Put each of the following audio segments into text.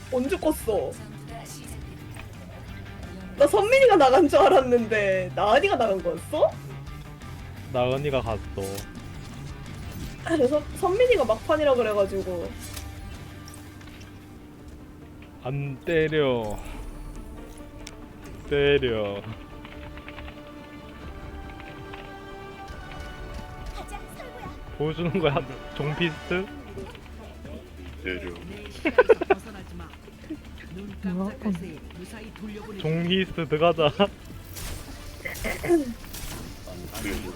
언제 껐어? 나 선민이가 나간 줄 알았는데 나은이가 나간 거였어? 나은이가 갔어. 그래서 선민이가 막판이라 그래가지고. 안 때려. 때려. 보여주는 거야? 종피스트? 때려. 뭐야? 종히스트 들어가자. 안 때려.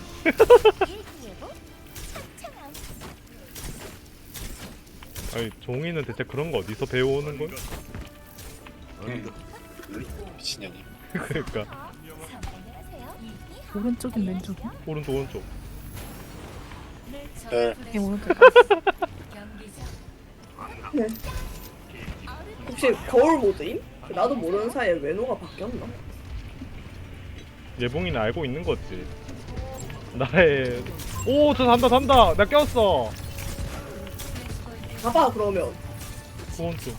아니 종이는 대체 그런 거 어디서 배워오는 거야? 미친년이. 그러니까 오른쪽인 왼쪽이야? 오른쪽 오른쪽. 네. 얘 오른쪽. 네. 혹시 거울 모드임? 나도 모르는 사이에 외노가 바뀌었나? 예봉이는 알고 있는 거지. 나의 오저 산다 산다. 나 꼈어. 봐봐 그러면. 오른쪽.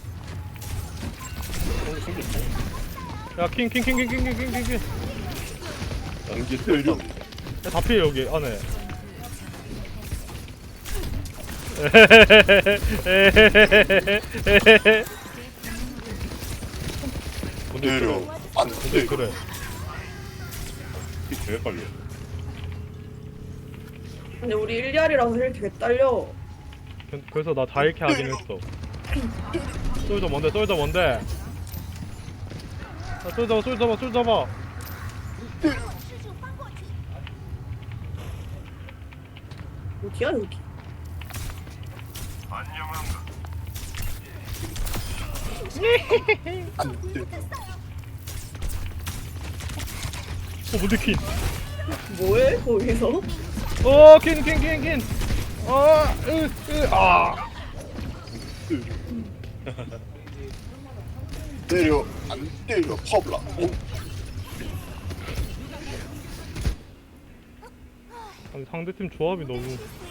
야 킹 킹 킹 킹 킹 킹 킹킹. 안개 때려. 다 피해 여기 안에. 때려. 안 근데 때려. 그래. 이게 왜 걸려? 근데 우리 1리알이라서 힐 되게 딸려. 그래서 나 다 이렇게 하긴 했어. 쏠져 뭔데 쏠져 뭔데. 쏠져 쏠져 쏠져 봐. 어디야 여기? 안 때려. 뭔데 퀸. 뭐해 거기서? 퀸. 아. 때려. 안 때려. 퍼블라. 오. 아니 상대팀 조합이 너무.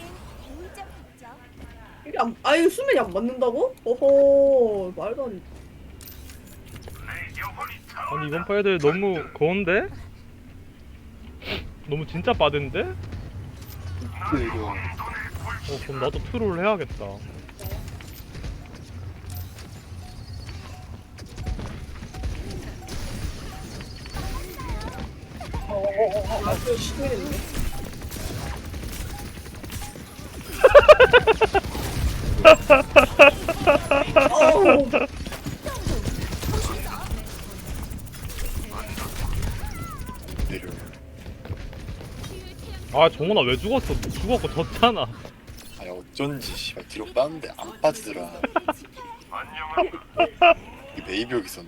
이게 안, 아유 수면이 안 맞는다고? 어허 말도 안 돼. 아니 이번 파 애들 너무 거운데? 너무 진짜 빠른데? 때려. 그럼 나도 트롤 해야겠다. 아주 시끄럽네. 어우. 때려. 아 정원아 왜 죽었어? 죽었고 졌잖아. 아니 어쩐지 씨발 뒤로 빠는데 안 빠지더라. 이게 네이비옥 있었네.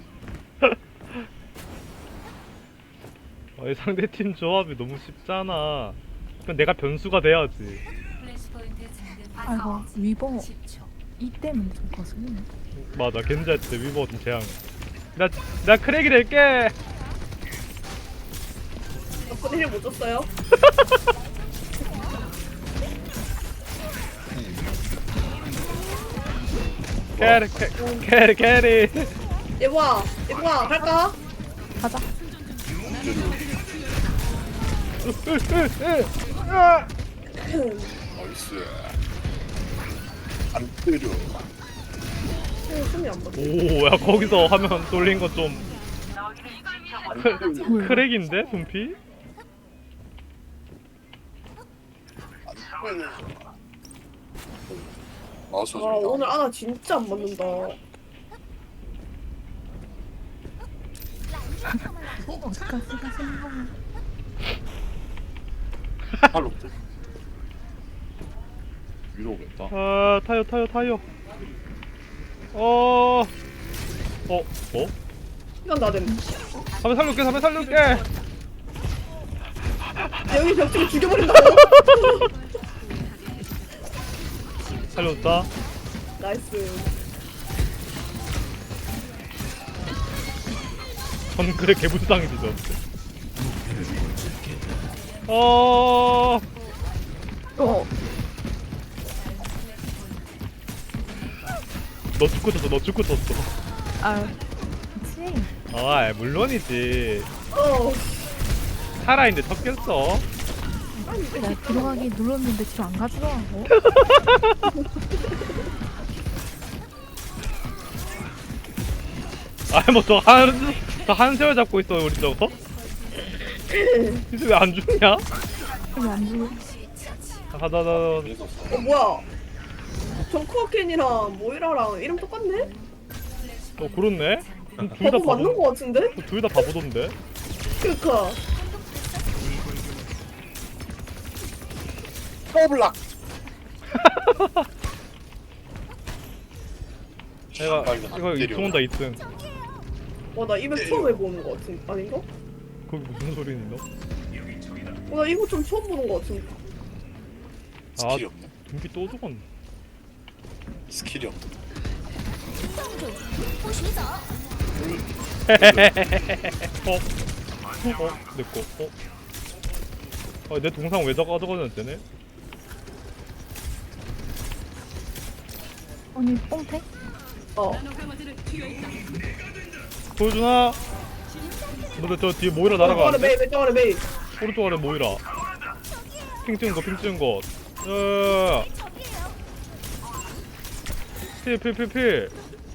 아니 상대팀 조합이 너무 쉽잖아. 그럼 내가 변수가 돼야지. 아이고 위버 이 때문에 좀 거슬리네. 맞아 겐지할 때 위버 좀 재앙. 나 크랙이 될게. 덕분에 힐못 줬어요? 캐리. 예보아 갈까? 가자. 나이스. 안 때려. 숨이 안 맞아. 오야 거기서 화면 돌린 거 좀 뭐야? 크랙인데 분피? 안 때려. 마우스 아 좀 오늘 아나 진짜 안 맞는다. 어디까지 가시는 거야? 팔로 위로 오겠다. 아 타요. 이건 나됨. 한번 살려줄게. 여기 벽치고 죽여버린다고? 살려줬다. 나이스. 정글의 개불쌍이 뒤져. 어. 너 죽고 졌어. 아, 그치. 아 물론이지. 어. 살아있는데 쳤겠어. 내가 들어가기 눌렀는데 뒤로 안 가더라고. 아이 뭐저 한세월 잡고 있어 우리 저거. 이제 왜 안 죽냐? 여기 안 죽어. 가다 그래서 어 뭐야? 정크워켄이랑 모이라랑 이름 똑같네? 그렇네. 둘 다 바보 맞는 거 같은데? 둘 다 바보던데. 그니까. 더블락. 내가 이거 2층 온다 2층. 나 이거 처음 해보는 거 같은 아닌가? 거기 무슨 소리니 너? 나 이거 좀 처음 보는 거 같은. 스킬이 없네. dum기 또 죽었네. 스킬이 없네. 내꺼. 내 동상 왜 가져가는 되네? 언니 뽕태? 어. 보여주나? 너네 저 뒤에 모이라 왼쪽 아래 날아가는데? 메이, 왼쪽 아래 메이. 오른쪽 아래 모이라. 핑 찍은 거, 핑 찍은 거. 야야야야. 필.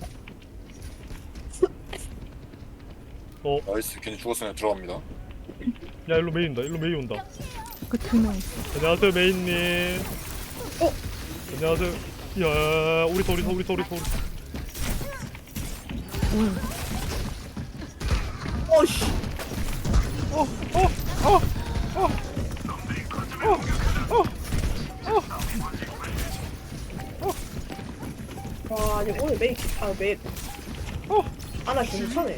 나이스. 괜히 죽었으면 들어갑니다. 야 일로 메이 온다. 그 두 명 있어. 안녕하세요 메인님. 안녕하세요. 야 우리 서. 오, 어씨. 와, 아니 오늘 메이 메이. 아나 괜찮네.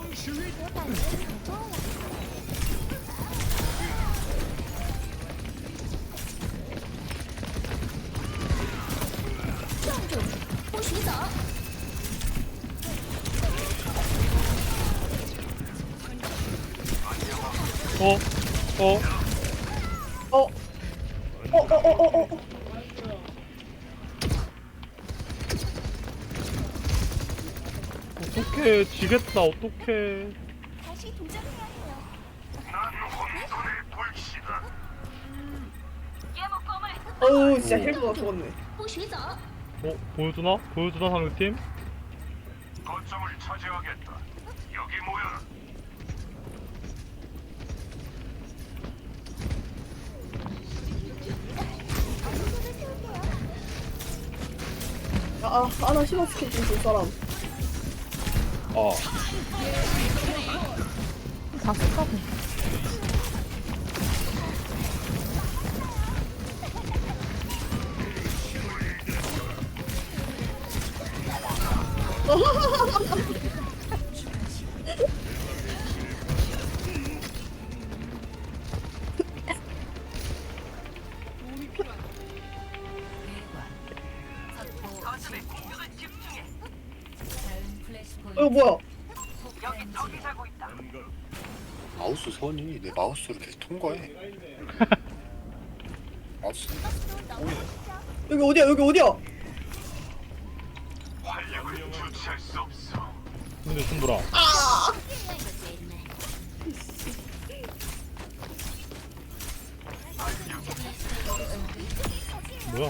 어. 어떡해 지겠다 어떡해. 어우 진짜 헬프가 죽었네. 보여주나 상대팀? 거점을 차지하겠다. 여기 모여라. 아나 심한 스킨 좀줄 사람. 다 쏟아고. 뭐야? 마우스 선이 내 마우스를 계속 통과해. 마우스. 여기 어디야? 활력을 주체할 수 없어. 근데 손보라. 뭐야?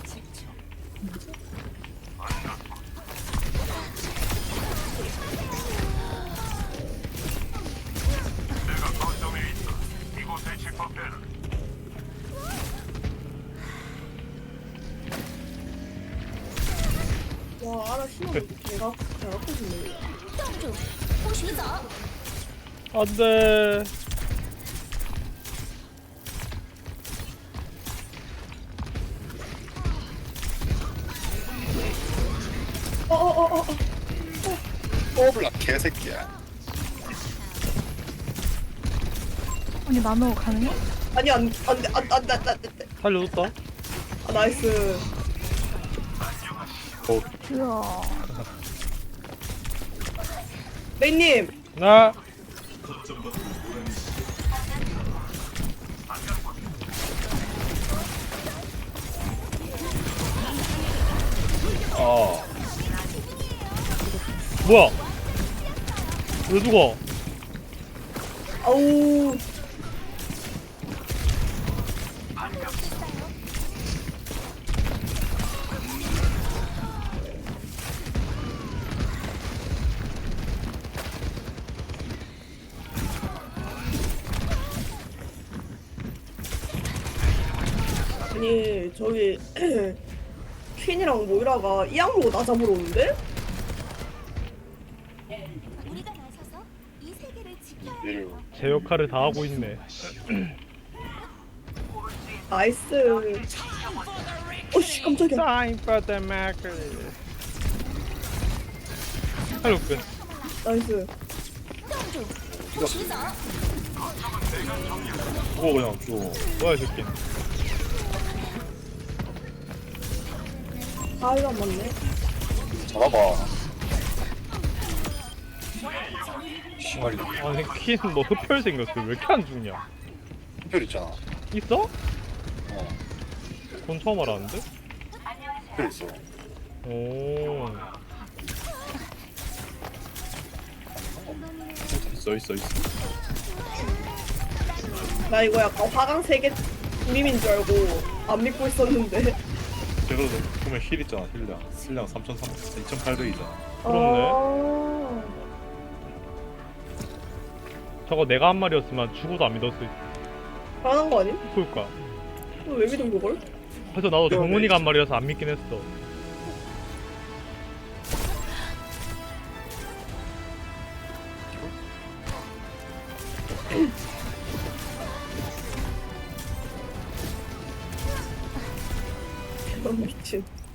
내가 거점에 있다. 이곳에 집합해라. 와 아나 심한 내가 잘 갖고 싶네. 안돼. 더블락 개새끼야. 언니 나노 가능해? 아니 안돼. 살려줬다. 나이스. 우와. 메이님. 나. 뭐야? 왜 죽어? 아우. 아니 저기 퀸이랑 모이라가 이 악물고 나 잡으러 오는데? 우리가 나서서 이 세계를 지켜야 얘를 제 역할을 다 하고 있네. 나이스. 어씨 깜짝이야. Time for the marker. 할로 끝. 나이스. 죽어 그냥 죽어. 뭐야 이 새끼. 아 이거 안 맞네. 잡아봐. 시말이 아니 퀸 뭐 흡혈 생겼어. 왜 이렇게 안 죽냐? 흡혈 있잖아. 있어? 어, 그건 처음 알았는데? 흡혈 있어. 오. 있어. 나 이거 약간 화강 3개 밈인 줄 알고 안 믿고 있었는데. 그래도 보면 힐 있잖아. 힐량 2,800이잖아. 그렇네. 아. 저거 내가 한 말이었으면 죽어도 안 믿었을 화난 거 아님? 그럴까. 왜 믿은 그걸? 그래서 나도 정훈이가 한 말이라서 안 믿긴 했어.